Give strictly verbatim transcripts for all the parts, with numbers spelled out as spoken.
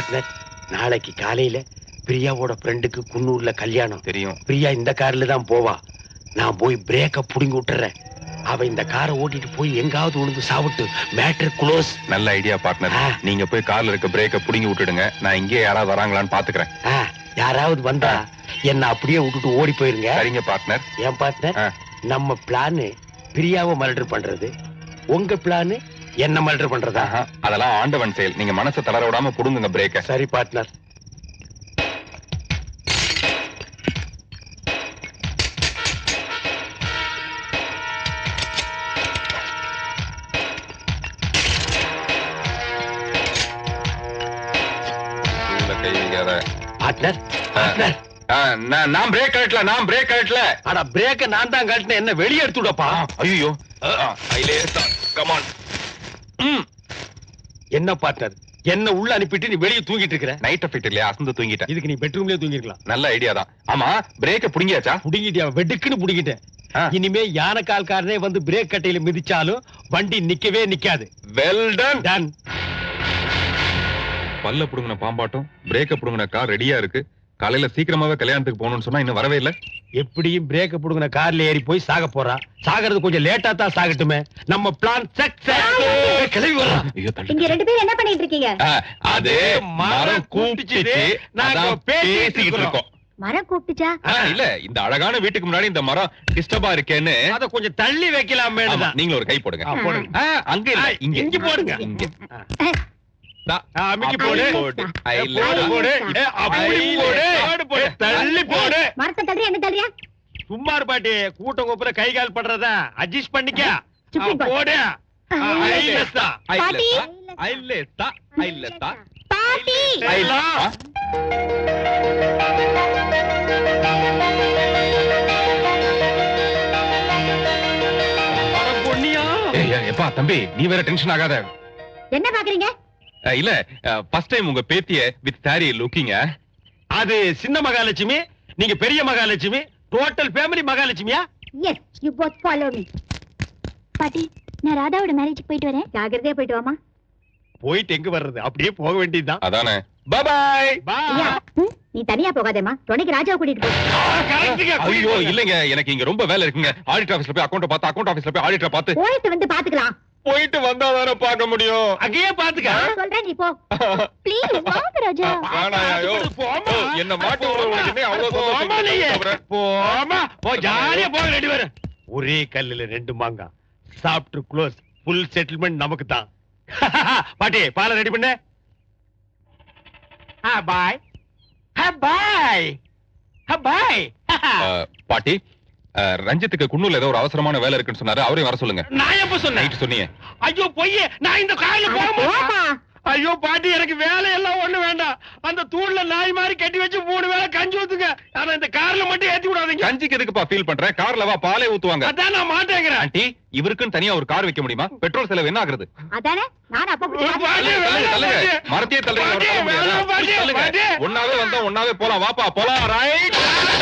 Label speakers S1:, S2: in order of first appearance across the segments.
S1: Partner, நாளைக்கு காலையில பிரியாவோட ஃப்ரெண்டுக்கு குன்னூர்ல கல்யாணம்.
S2: தெரியும்.
S1: பிரியா இந்த கார்ல தான் போவா. நான் போய் பிரேக்க புடுங்கி விட்டுறேன். அவ இந்த காரை ஓட்டிட்டு போய் எங்காவது உழுந்து சாப்பிட்டு மேட்டர் க்ளோஸ்.
S2: நல்ல ஐடியா பார்ட்னர். நீங்க போய் கார்ல இருக்க பிரேக்க புடுங்கி விட்டுடுங்க. நான் இங்கே யாராவது வராங்களான்னு பாத்துக்கிறேன்.
S1: யாராவது வந்தா என்ன அப்படியே விட்டுட்டு ஓடி போயிருங்க.
S2: சரிங்க பார்ட்னர்.
S1: ஏன் பார்ட்னர், நம்ம பிளானு பிரியாவை மர்டர் பண்றது, உங்க பிளானு என்ன மர்டர் பண்றதா?
S2: அதெல்லாம் ஆண்டவன் செயல். நீங்க மனசை தளர விடாம புடுங்குங்க பிரேக்க.
S1: சரி பார்ட்னர். பார்ட்னர், பார்ட்னர்,
S2: நான் பிரேக் கழட்டல, நான் பிரேக் கழட்டல.
S1: அட பிரேக்க நான் தான் கழட்டினேன். என்ன வெளியே எடுத்துடப்பா.
S2: ஐயோ, கம் ஆன்.
S1: என்ன பார்ட்னர், என்ன உள்ள அனுப்பிட்டு நீ வெளியே தூங்கிட்டு இருக்கிற?
S2: நைட் எஃபெக்ட் இல்லையா, அசந்து தூங்கிட்டேன்.
S1: இதுக்கு நீ பெட்ரூம்லயே தூங்கிருக்கலாம்.
S2: நல்ல ஐடியா தான். ஆமா, பிரேக்க புடிங்கியாச்சா?
S1: புடிங்கிட்டியா? வெடுக்குன்னு புடிங்கிட்டேன். இனிமே யானைக்கால்காரனே வந்து பிரேக் கட்டையில மிதிச்சாலும் வண்டி நிக்கவே நிக்காது.
S2: Well done.
S1: டன்.
S2: பல்ல புடுங்கின பாம்பாட்டம் பிரேக்க புடுங்கின கார் ரெடியா இருக்கு. காலையில சீக்கிரமாவே கல்யாணத்துக்கு போகணும்னு சொன்னா இன்னும் வரவே இல்ல.
S1: எப்படியும் பிரேக்க புடுங்கின கார்ல ஏறி போய் சாக போறா. சாகிறது கொஞ்சம் லேட்டா தான் சாகட்டுமே. நம்ம பிளான் சக்சஸ். கிளம்பி வரலாம்.
S3: இங்க ரெண்டு பேரும் என்ன பண்ணிட்டு இருக்கீங்க?
S2: அது மரம் கூப்பிட்டுச்சு, நாங்க பேசிக்கிட்டு இருக்கோம்.
S3: மரம் கூப்பிட்டுச்சா?
S2: இல்ல, இந்த அழகான வீட்டுக்கு முன்னாடி இந்த மரம் டிஸ்டர்பா இருக்கேன்னு
S1: அத கொஞ்சம் தள்ளி வைக்கலாமே.
S2: நீங்க ஒரு கை போடுங்க. அங்க இல்ல, இங்க
S1: இங்க போடுங்க.
S2: இங்க
S1: அமிக்கி போடு. போடு போடு. அப்படி போடு. போடு. தள்ளி போடு.
S3: மரத்தை தள்ளியா என்ன தள்ளியா?
S1: சும்மா பாட்டி, கூட்டம் கூப்புற கை கால் பண்றதா அட்ஜஸ்ட் பண்ணிக்க. போடு. ஐலஸ்தா
S3: பாட்டி,
S2: ஐலஸ்தா ஐலஸ்தா
S3: பாட்டி.
S2: ஐலா.
S1: அட பொன்னியா.
S2: ஏய் எப்பா தம்பி, நீ வேற டென்ஷன் ஆகாத.
S3: என்ன பாக்குறீங்க?
S2: இல்ல, ஃபர்ஸ்ட் டைம் உங்க பேத்திய வித் சாரி லுக்கிங்க.
S1: அது சின்ன மகாலட்சுமி, நீங்க பெரிய மகாலட்சுமி. டோட்டல் ஃபேமிலி மகாலட்சுமியா?
S3: Yes, you both follow me. பாட்டி, நான் ராதாவோட மேரேஜ்க்கு போயிட்டு வரேன். ஜாகிரதையா போயிட்டு வாமா.
S1: போயிட்டு எங்க வர்றது, அப்படியே போக வேண்டியதுதான்.
S2: அதானே. Bye bye.
S1: பை.
S3: நீ தனியா போகாதேமா, துணைக்கு ராஜாவை கூட்டிட்டு போ.
S2: ஐயோ இல்லங்க, எனக்கு இங்க ரொம்ப வேலை இருக்குங்க. ஆடிட்டர் ஆபீஸ்ல போய் அக்கவுண்ட் பார்த்து, அக்கவுண்ட் ஆபீஸ்ல போய் ஆடிட்டர் பார்த்து
S3: போயிட்டு வந்து பாத்துக்கலாம்.
S2: போயிட்டு வந்தா தானே பார்க்க முடியும்.
S1: அங்கேயே பாத்துக்க.
S3: சொல்றேன், நீ போ ப்ளீஸ். வாங்க ராஜா.
S2: ஆனாயோ என்ன மாட்டி விடுறவங்க அவ்வளவு சொல்லுங்க.
S1: போமா போ, ஜாலியா போக ரெடி வர. ஒரே கல்லுல ரெண்டு மாங்கா. சாப்பிட்டு க்ளோஸ். ஃபுல் செட்டில்மெண்ட் நமக்கு தான். பாட்டி, பாலை ரெடி பண்ணு. பாய் பாய் பாய்.
S2: பாட்டி, ரஞ்சித்துக்கு குன்னூர்ல ஏதோ ஒரு அவசரமான வேலை இருக்குன்னு சொன்னாரு. அவரையும் வர சொல்லுங்க.
S1: நான் எப்ப சொன்னேன்?
S2: சொன்னீங்க.
S1: ஐயோ பொய்யே, நான் இந்த காலையில போக. ஐயோ பாட்டி, எனக்கு வேலை எல்லாம் ஒண்ணு வேண்டாம். அந்த தூண்ல நாய் மாதிரி கட்டி வச்சு மூணு வேளை கஞ்சி ஊத்துங்க. ஆனா இந்த கார்ல மட்டும் ஏத்தி விடாதீங்க.
S2: கஞ்சிக்கு எதுக்குப்பா ஃபீல் பண்றேன்? கார்ல வா, பாலே ஊத்துவாங்க.
S1: அதான் நான் மாட்டேங்கிறேன்.
S2: ஆண்டி, இவருக்குன்னு தனியா ஒரு கார் வைக்க முடியுமா? பெட்ரோல் செலவு என்ன ஆகுறது?
S3: அதானே நான் அப்ப
S2: மரத்தையே தள்ளுங்க. ஒன்னாவே வந்தா ஒன்னாவே போலாம். வாப்பா போலாம். ரைட்.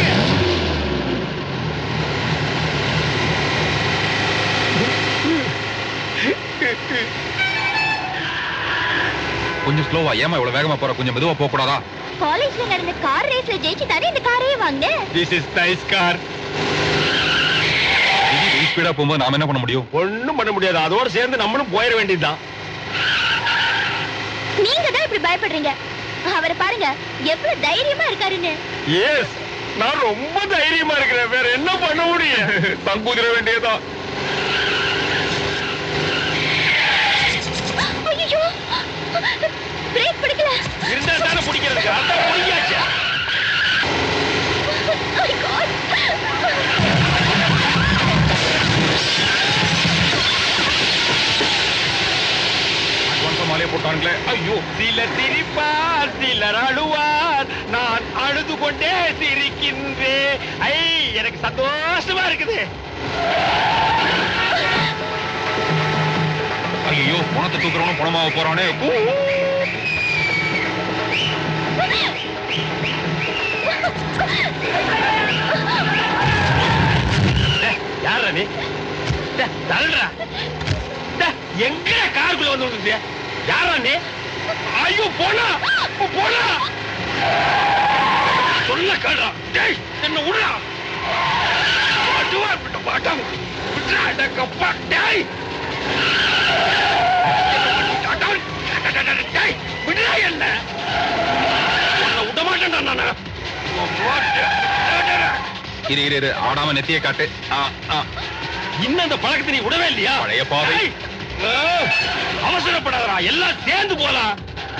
S2: கொஞ்சம் ஸ்லோவா. ஏமா இவ்வளவு வேகமா போற? கொஞ்சம் மெதுவா போக கூடாதா?
S3: காலேஜ்ல நடந்த கார் ரேஸ்ல ஜெயிச்சு தானே இந்த காரையே வாங்குனேன்.
S1: This is nice car.
S2: இது ஸ்பீடா போகும்போது நாம என்ன பண்ண முடியும்?
S1: ஒண்ணும் பண்ண முடியாது. அதோட சேர்ந்து நம்மளும் போயிட வேண்டியதுதான்.
S3: நீங்க தான் இப்படி பயப்படுறீங்க. அவரை பாருங்க எவ்வளவு தைரியமா இருக்காருன்னு.
S1: எஸ், நான் ரொம்ப தைரியமா இருக்கிறேன். வேற என்ன பண்ண முடியும்?
S2: தங்குதிர வேண்டியதான்.
S3: ஐயோ, பிரேக் பிடிக்கல.
S1: இருந்தா தானே பிடிக்கிறதுக்கு. அதான் பிடிக்காச்சு.
S3: My God.
S2: மாலையை போட்டாங்களே. ஐயோ,
S1: சிலர் சிரிப்பார், சிலர் அழுவார். நான் அழுது கொண்டே சிரிக்கின்றேன். ஐ, எனக்கு சந்தோஷமா இருக்குது.
S2: ஐயோ, பணத்தை தூக்குறவனும் பணமாக போறானே.
S1: யாரா நீ? தள்ளுறா. எங்க காருக்குள்ள வந்து யாரா நீ? ஐயோ போனா போடா சொல்ல கேடா டேய் என்ன உடா வாடுவா விட்டு வாடாம விட்றாட கப்பா டேய் டேய் விடுடா என்ன உன்னை விட மாட்டேன்டா நானு
S2: இரு இரு இரு ஆடாம நெத்தியை காட்டு.
S1: இன்னும் அந்த பழக்கத்தை நீ விடவே இல்லையா?
S2: பழைய பாதை.
S1: அவசரப்படாதடா, எல்லாம் சேர்ந்து போலாம்.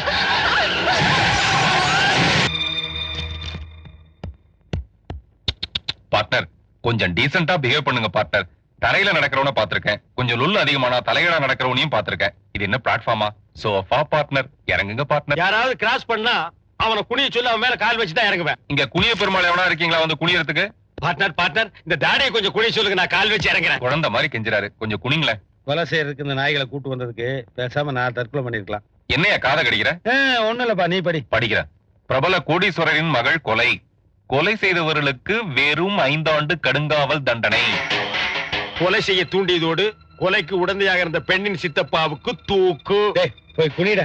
S2: பார்ட்னர் கொஞ்சம் டீசென்ட்டா பிஹேவ் பண்ணுங்க பார்ட்னர். தரையில நடக்கிறவன பாத்திருக்கேன், கொஞ்சம் லுல்லு அதிகமானா தலைகீழா நடக்கிறவனையும் பாத்திருக்கேன். இது என்ன பிளாட்ஃபார்மா? சோஃபா பார்ட்னர், இறங்குங்க பார்ட்னர்.
S1: யாராவது கிராஸ் பண்ணா அவனை குனிய சொல்லி அவன் மேல கால் வச்சுதான் இறங்குவேன்.
S2: இங்க குனிய பெருமாள் எவனா இருக்கீங்களா வந்து குனியறதுக்கு?
S1: பார்ட்னர் பார்ட்னர் இந்த தாடியை கொஞ்சம் குனிய சொல்லுங்க, நான் கால் வச்சு இறங்குறேன்.
S2: குழந்தை மாதிரி கெஞ்சுறாரு, கொஞ்சம் குனிங்களேன்.
S4: கொலை செய்யறதுக்கு இந்த நாய்களை கூட்டு வந்ததுக்கு பேசாம நான் தற்கொலை பண்ணிருக்கலாம்.
S2: என்னையா காதை கடிக்கிற?
S4: ஒண்ணு இல்லப்பா, நீ படி.
S2: படிக்கிற. பிரபல கோடீஸ்வரரின் மகள் கொலை. கொலை செய்தவர்களுக்கு வெறும் ஐந்தாண்டு கடுங்காவல் தண்டனை.
S1: கொலை செய்ய தூண்டியதோடு கொலைக்கு உடந்தையாக இருந்த பெண்ணின் சித்தப்பாவுக்கு தூக்கு.
S4: போய் குனிட.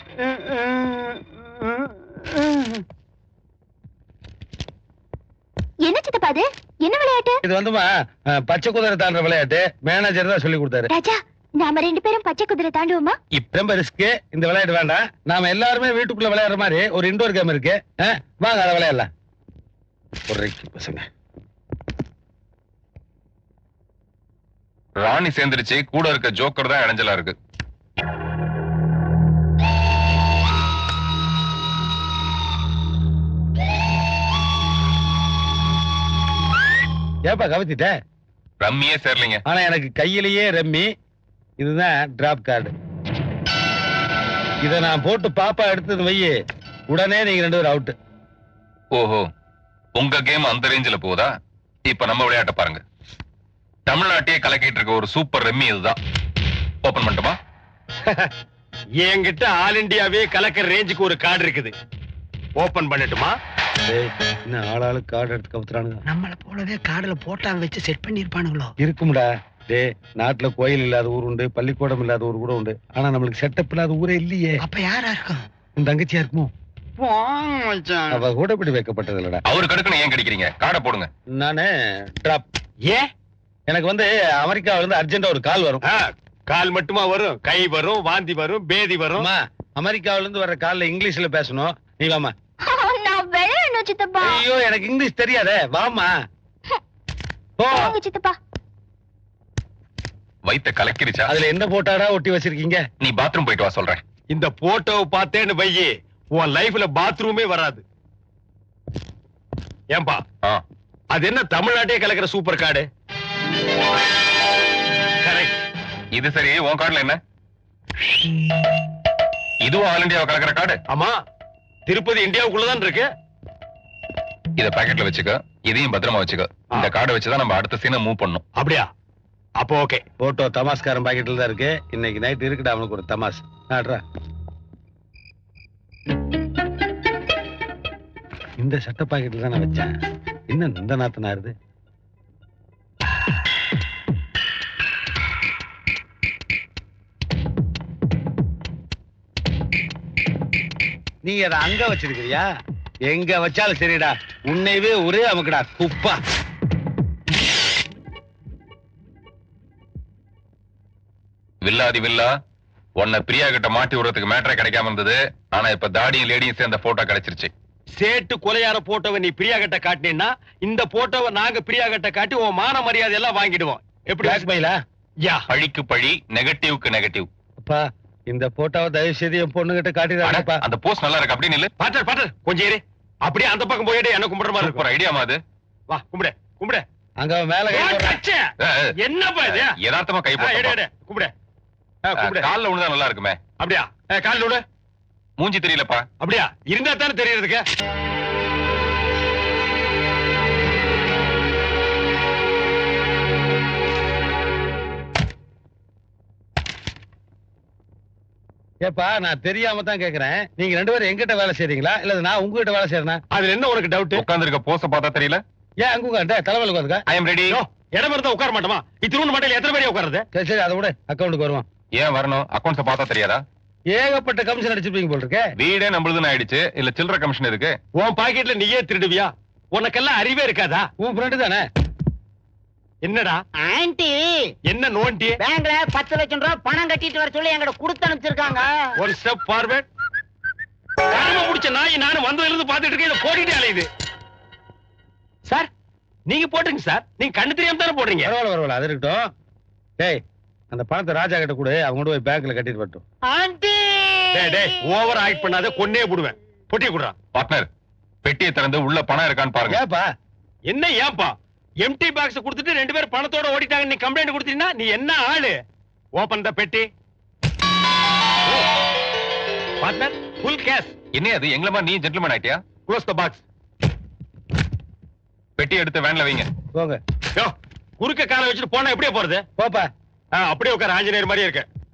S3: என்ன சித்தப்பா அது? என்ன விளையாட்டு
S4: இது? வந்துமா பச்சை குதிரை தாண்டுற விளையாட்டு. மேனேஜர் தான் சொல்லி கொடுத்தாரு.
S3: ராஜா, நாம ரெண்டு பேரும் பச்சை குதிரை தாண்டுவோமா?
S4: இப்ப ரொம்ப ரிஸ்க், இந்த விளையாட்டு வேண்டாம். நாம எல்லாருமே வீட்டுக்குள்ள விளையாடுற மாதிரி ஒரு இன்டோர் கேம் இருக்கு, வாங்க அதை விளையாடலாம். பசங்க
S2: ராணி சேர்ந்துருச்சு, கூட இருக்க ஜோக்கர் தான் இடைஞ்சலா இருக்கு.
S4: ஏப்பா கவத்திட்ட?
S2: ரம்மியே சேரலீங்க.
S4: ஆனா எனக்கு கையிலேயே ரம்மி. இதுதான் டிராப் கார்டு. இத நான் போட்டு பாப்பா எடுத்தது வையே, உடனே நீங்க ரெண்டு பேரும் அவுட்.
S2: ஓஹோ, உங்க கேம் அந்த ரேஞ்சில போதா? இப்ப நம்ம விளையாட்ட பாருங்க. தமிழ்நாட்டையே கலக்கிட்டு இருக்க ஒரு சூப்பர் ரம்மி இதுதான். ஓபன் பண்ணட்டுமா?
S1: என்கிட்ட ஆல் இண்டியாவே கலக்கிற ரேஞ்சுக்கு ஒரு கார்டு இருக்குது. ஓபன் பண்ணட்டுமா?
S4: என்ன ஆளாளு கார்டு எடுத்து கவுத்துறானுங்க.
S5: நம்மள போலவே கார்டுல போட்டாங்க வச்சு செட் பண்ணிருப்பானுங்களோ?
S4: இருக்கும்டா. டே, நாட்டுல கோயில் இல்லாத ஊர் உண்டு, பள்ளிக்கூடம் இல்லாத ஊர் கூட உண்டு. ஆனா நம்மளுக்கு செட்டப் இல்லாத ஊரே இல்லையே.
S5: அப்ப யாரா இருக்கும்?
S4: உன் தங்கச்சியா இருக்குமோ? அவ கூட இப்படி வைக்கப்பட்டது இல்லடா.
S2: அவரு கடுக்கணும் ஏன் கிடைக்கிறீங்க? கார்டை போடுங்க.
S4: நானு டிராப்.
S1: ஏன்?
S4: எனக்கு வந்து அமெரிக்காவில இருந்து அர்ஜென்டா ஒரு கால் வரும்.
S1: கால் மட்டுமா வரும்? கை வரும், வாந்தி வரும், பேதி வரும்.
S4: அமெரிக்காவில இருந்து வர்ற கால்ல இங்கிலீஷ்ல பேசணும். நீ வாமா.
S3: நான் விளையாடணும் சித்தப்பா.
S4: ஐயோ, எனக்கு இங்கிலீஷ் தெரியாதே. வாமா.
S3: வாங்க சித்தப்பா.
S2: வைத்த கலக்கிருச்சா?
S4: அதுல எந்த போட்டாடா ஒட்டி வச்சிருக்கீங்க?
S2: நீ பாத்ரூம் போயிட்டு வா சொல்றேன்.
S1: இந்த போட்டோவை பார்த்தேன்னு வையே, உன் லைஃப்ல பாத்ரூமே வராது. ஏன்பா, அது என்ன தமிழ்நாட்டையே கலக்கிற சூப்பர் கார்டு? கரெக்ட்.
S2: இது சரி, உன் கார்டுல என்ன? இதுவும் ஆல் இண்டியாவை கலக்கிற கார்டு?
S1: ஆமா, திருப்பதி இந்தியாவுக்குள்ளதான் இருக்கு.
S2: இத பாக்கெட்ல வச்சுக்க, இதையும் பத்திரமா வச்சுக்க. இந்த கார்டை வச்சுதான் நம்ம அடுத்த சீனை மூவ் பண்ணணும்.
S1: அப்படியா? அப்போ ஓகே.
S4: போட்டோ தமாஸ்காரன் பாக்கெட்ல தான் இருக்கு. இன்னைக்கு நைட் இருக்குடா அவனுக்கு ஒரு தமாஸ். ஆடுறா. இந்த சட்ட பாக்கெட்ல தான் நான் வச்சேன். இன்னும் இந்த நாத்து நாருது. நீங்க அதை அங்க வச்சிருக்கிறியா? எங்க வச்சாலும் சரிடா, உன்னைவே ஒரே அமுக்குடா குப்பா.
S2: வில்லாதி வில்லா, உன்னை பிரியா கிட்ட மாட்டி விடுறதுக்கு மேட்டரே கிடைக்காம இருந்தது. ஆனா இப்ப தாடியும் லேடியும் சேர்ந்த போட்டோ கிடைச்சிருச்சு.
S1: சேட்டு கொலையார போட்டோவை நீ பிரியா கிட்ட காட்டினீன்னா, இந்த போட்டோவை நாங்க பிரியா கிட்ட காட்டி உன் மான மரியாதை எல்லாம் வாங்கிடுவோம். எப்படி?
S4: பிளாக்மெயிலா?
S1: யா,
S2: பழிக்கு பழி, நெகட்டிவ்க்கு நெகட்டிவ்.
S4: அப்பா, இந்த போட்டோவை தயவு செய்து என் பொண்ணு கிட்ட காட்டிடாதப்பா.
S2: அந்த போஸ்ட் நல்லா இருக்கு, அப்படி நில்லு.
S1: பாட்டர் பாட்டர் கொஞ்சம் இரு. அப்படியே அந்த பக்கம் போயிட்டு என்ன கும்பிடுற மாதிரி
S2: ஒரு ஐடியா மாதிரி.
S1: வா, கும்பிடு கும்பிடு.
S4: அங்க மேல கை போடுறா.
S1: என்னப்பா இது?
S2: யதார்த்தமா கை போடு.
S1: கும்பிடு கும்பிடு.
S2: கால்ல விழுந்தா நல்லா இருக்குமே.
S1: அப்படியா? கால் விடு.
S2: மூஞ்சி தெரியலப்பா.
S1: அப்படியா? இருந்தா தானே தெரியறதுக்கு.
S4: ஏப்பா, நான் தெரியாம தான் கேக்குறேன். நீங்க ரெண்டு பேரும் எங்கிட்ட வேலை செய்றீங்களா இல்ல நான் உங்ககிட்ட வேலை செய்யறேனா?
S1: அதுல என்ன உனக்கு டவுட்?
S2: உட்கார்ந்து இருக்க போஸ பார்த்தா தெரியல.
S4: ஏன் அங்க உட்கார்ந்த? தலைவலி உட்காருங்க.
S2: I am ready.
S1: இடம் இருந்தா உட்கார மாட்டோமா? இத்திரூன் மட்டும் எத்தனை பேர் உட்காருது?
S4: சரி சரி, அதை விட அக்கௌண்ட்டுக்கு வருவோம்.
S2: ஏன் வரணும்? அக்கௌண்ட்ஸ் பார்த்தா தெரியாதா?
S4: ஏகப்பட்ட கமிஷன் அடிச்சிருப்பீங்க போல் இருக்கே.
S2: வீடே நம்மளுதுன்னு ஆயிடுச்சு, இல்ல சில்லற கமிஷன் இருக்கு.
S1: உன் பாக்கெட்ல நீயே திருடுவியா? உனக்கெல்லாம் அறிவே இருக்காதா?
S4: உன் ஃப்ரெண்டு தானே?
S1: என்னடா
S6: ஆன்ட்டி
S1: என்ன நோண்டி?
S6: பேங்க்ல பத்து லட்சம் ரூபாய் பணம் கட்டிட்டு வர சொல்லி எங்கிட்ட கொடுத்து அனுப்பிச்சிருக்காங்க.
S1: ஒரு ஸ்டெப் ஃபார்வர்ட். காம புடிச்ச நாய் நானும் வந்ததுல இருந்து பாத்துட்டு இருக்கேன், இத போட்டுட்டே அலையுது. சார் நீங்க போட்டுங்க சார், நீங்க கண்ணு தெரியாம தானே போடுறீங்க.
S4: பரவாயில்ல பரவாயில்ல, அது இருக்கட்டும். டேய் அந்த பணத்தை ராஜா கிட்ட கொடு, அவங்க கொண்டு போய் பேங்க்ல கட்டிட்டு வரட்டும்.
S6: ஆன்ட்டி
S1: டேய் டேய் ஓவர் ஆக்ட் பண்ணாத, கொன்னே போடுவேன். பொட்டி குடுறா.
S2: பார்ட்னர், பெட்டியை திறந்து உள்ள பணம் இருக்கான்னு பாருங்க.
S4: ஏப்பா
S1: என்ன ஏன்பா எம்டி பாக்ஸ் கொடுத்துட்டு ரெண்டு பேரும் பணத்தோட ஓடிட்டாங்க, நீ கம்ப்ளைண்ட் கொடுத்தீங்கன்னா நீ என்ன ஆளு? ஓபன் த பெட்டி. Partner full cash.
S2: என்ன அது எங்களமா நீ ஜென்டில்மேன் ஆயிட்டியா?
S1: Close the box.
S2: பெட்டி எடுத்து வேன்ல வைங்க.
S4: போங்க.
S1: யோ குறுக்க காலை வச்சுட்டு போனா எப்படியே போறது?
S4: போப்பா.
S1: ஆ, அப்படியே உட்கார, ஆஞ்சநேயர் மாதிரியே இருக்கு.